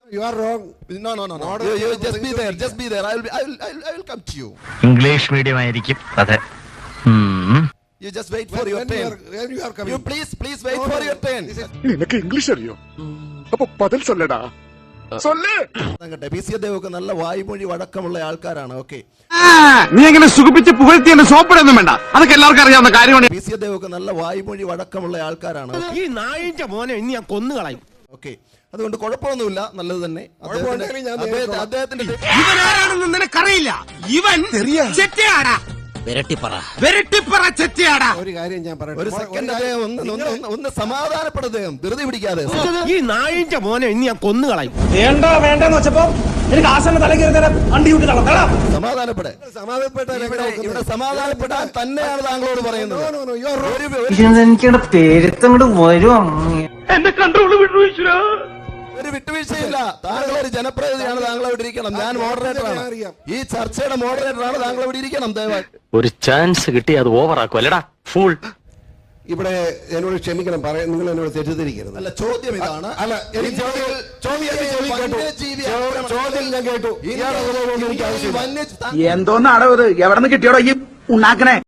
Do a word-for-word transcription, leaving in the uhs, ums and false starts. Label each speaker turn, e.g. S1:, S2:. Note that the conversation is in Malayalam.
S1: You are wrong.
S2: No, no, no, no. You, you just be there. Just be there. I will, be, I will, I will, I will come to you.
S3: English medium ആയിരിക്കും. അതെ.
S2: You just wait for
S1: When,
S2: your
S1: when you
S2: turn.
S1: are, when you are coming.
S2: You please, please wait
S1: No,
S2: for
S1: no,
S2: your turn.
S4: നിനക്ക് ഇംഗ്ലീഷ് അറിയോ? അപ്പൊ പദൽ സൊല്ലടാ. സൊല്ലേ.
S2: അങ്ങട്ടെ പി സി അദ്ദേഹമൊക്കെ നല്ല വായ്മൊഴി വഴക്കമുള്ള ആൾക്കാരാണ്. ഓക്കെ,
S5: നീ എങ്ങനെ സുഖിപ്പിച്ച് പുകഴ്ത്തി എന്നെ സോപ്പിടൊന്നും വേണ്ട, അതൊക്കെ എല്ലാവർക്കും അറിയാവുന്ന കാര്യമാണ്.
S2: പി സി അദ്ദേഹമൊക്കെ നല്ല വായ്മൊഴി വഴക്കമുള്ള ആൾക്കാരാണ്.
S5: ഈ നായിന്റെ മോനെ ഇനി ഞാൻ കൊന്നുകളയും.
S2: ഓക്കെ, അതുകൊണ്ട് കുഴപ്പമൊന്നുമില്ല, നല്ലത് തന്നെ. അദ്ദേഹത്തിന്റെ അദ്ദേഹത്തിന്റെ
S5: ഇവനാരാണെന്ന് നിനക്കറിയില്ല. ഇവൻ ചെറ്റയാടാ, വെരട്ടിപ്പറ വെരട്ടിപ്പറ ചെറ്റയാടാ.
S1: ഒരു കാര്യം ഞാൻ പറയട്ടെ.
S2: ഒരു സെക്കൻഡ് അദ്ദേഹം ഒന്ന് ഒന്ന് ഒന്ന് ഒന്ന് സമാധാനപ്പെടും. അദ്ദേഹം ധൃതി പിടിക്കാതെ.
S5: ഈ നായിന്റെ മോനെ ഇനി ഞാൻ കൊന്നുകളയും.
S6: വേണ്ട വേണ്ടെന്ന് വെച്ചപ്പോ എനിക്ക് ആശാന്റെ തല കയറി നേരം വണ്ടി വിട്ട് തളർത്താം.
S2: സമാധാനപ്പെടെ
S1: സമാധാനപ്പെട്ടാൽ
S2: ഇവിടെ സമാധാനപ്പെടാൻ തന്നെയാണ് താങ്കളോട് പറയുന്നത്.
S7: എനിക്കിവിടെ പേരുത്തങ്ങോട്ട് വരും.
S5: എന്റെ കൺട്രോൾ വിട്ടു ഈശ്വര.
S2: ഒരു വിട്ടുവീഴ്ചയില്ല. താങ്കൾ ഒരു ജനപ്രതിനിധിയാണ്. താങ്കൾ അവിടെ ഇരിക്കണം. ഞാൻ മോഡറേറ്ററാണ്. ഈ ചർച്ചയുടെ മോഡറേറ്ററാണ്. താങ്കൾ അവിടെ ഇരിക്കണം. ദയവായി
S3: ഒരു ചാൻസ് കിട്ടി അത് ഓവർ ആക്കും അല്ലടാ ഫുൾ.
S1: ഇവിടെ എന്നോട് ക്ഷമിക്കണം, പറയാൻ നിങ്ങൾ എന്നോട് തെറ്റിദ്ധരിക്കരുത്.
S2: അല്ല, ചോദ്യം ഇതാണ്.
S1: അല്ല, എനിക്ക് ചോദ്യം ചോദ്യം കേട്ടു. ചോദ്യം ഞാൻ കേട്ടു. എനിക്ക് ആവശ്യമില്ല.
S6: എന്തോന്നാടോ ഇത്? എവിടെ നിന്ന് കിട്ടിയോടോ ഈ ഉണ്ടാക്കണേ?